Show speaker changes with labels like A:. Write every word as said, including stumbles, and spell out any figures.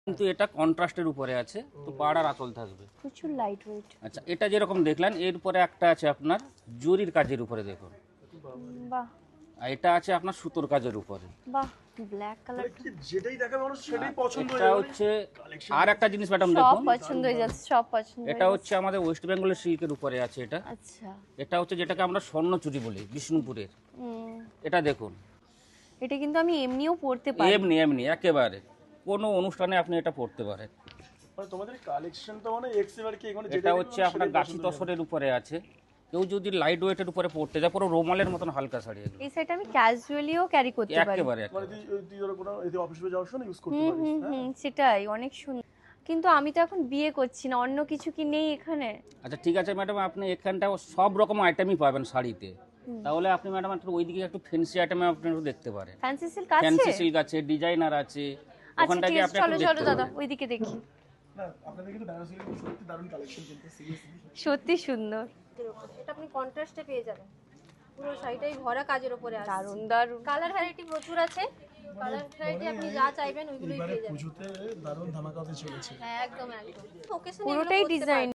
A: কিন্তু এটা কন্ট্রাস্টের উপরে আছে, তো পাড়ার আঁচল থাকবে।
B: প্রচুর লাইট ওয়েট।
A: আচ্ছা, এটা যেরকম দেখলেন এর উপরে একটা আছে আপনার জরির কাজের উপরে, দেখুন।
B: বাহ,
A: আর এটা আছে আপনার সুতোর কাজের উপরে।
B: বাহ, ব্ল্যাক কালার।
C: যেটাই দেখাবে মানুষ সেটাই পছন্দ হয়ে
A: এটা
C: যাবে।
A: হচ্ছে আর একটা জিনিস ম্যাডাম
B: সব
A: দেখুন,
B: পছন্দ হয়ে যাচ্ছে, সব পছন্দ হয়ে
A: এটা
B: যাচ্ছে।
A: হচ্ছে আমাদের ওয়েস্ট বেঙ্গলের সিল্কের উপরে আছে এটা।
B: আচ্ছা।
A: এটা হচ্ছে যেটাকে আমরা স্বর্ণচুরি বলি বিষ্ণুপুরের।
B: হুম,
A: এটা দেখুন,
B: এটা কিন্তু আমি এমনিও পড়তে পারি।
A: এমনি এমনি একেবারে কোনো অনুষ্ঠানে আপনি এটা পড়তে পারেন।
C: মানে তোমাদের কালেকশনটা মানে এক্সেবার কি এখানে
A: এটা হচ্ছে আপনার গাছি তসরের উপরে আছে। কেউ যদি লাইট ওয়েটের উপরে পড়তে যায়, পুরো রোমালের মতন হালকা শাড়ি এগুলো।
B: এই সাইডটা আমি ক্যাজুয়ালিও ক্যারি করতে পারি।
A: একেবারে
C: মানে
A: একেবারে।
C: তুই তুই ধরো কোনো এই অফিসে যাওয়ার সময় ইউজ করতে
B: হুম
C: পারিস।
B: হুম হুম, সেটাই অনেক সুন্দর। কিন্তু আমি তো এখন বিয়ে করছি না, অন্য কিছু কি নেই এখানে?
A: আচ্ছা ঠিক আছে ম্যাডাম, আপনি এখানটা সব রকম আইটেমই পাবেন শাড়িতে। তাহলে আপনি ম্যাডাম একটু ওইদিকে একটু ফ্যান্সি আইটেম আপনি একটু দেখতে পারেন।
B: ফ্যান্সি সিল্ক আছে?
A: ফ্যান্সি সিল্ক আছে, ডিজাইনার আছে,
B: আচ্ছা
A: ওখানটা
B: ঠিক
A: গিয়ে
B: আছে,
A: আপনি
B: চলো
A: একটু
B: চলো
A: দেখতে
B: দাদা,
A: পারেন।
B: ওইদিকে দেখি।
C: না আপনাদের কিন্তু বেনারসি সত্যি দারুণ কালেকশন কিন্তু সিরিয়াসলি।
B: সত্যি সুন্দর,
D: এটা আপনি কন্ট্রাস্টে পেয়ে যাবেন, পুরো শাড়িটাই ভরা কাজের উপরে আছে।
B: দারুণ দারুণ।
D: কালার ভ্যারাইটি প্রচুর আছে, কালার ভ্যারাইটি আপনি যা চাইবেন ওইগুলোই
C: এবারে
D: পেয়ে যাবেন।
C: পুজোতে দারুণ ধামাকা হতে চলেছে।
D: হ্যাঁ একদম একদম। ওকেশনে
B: পুরোটাই ডিজাইন।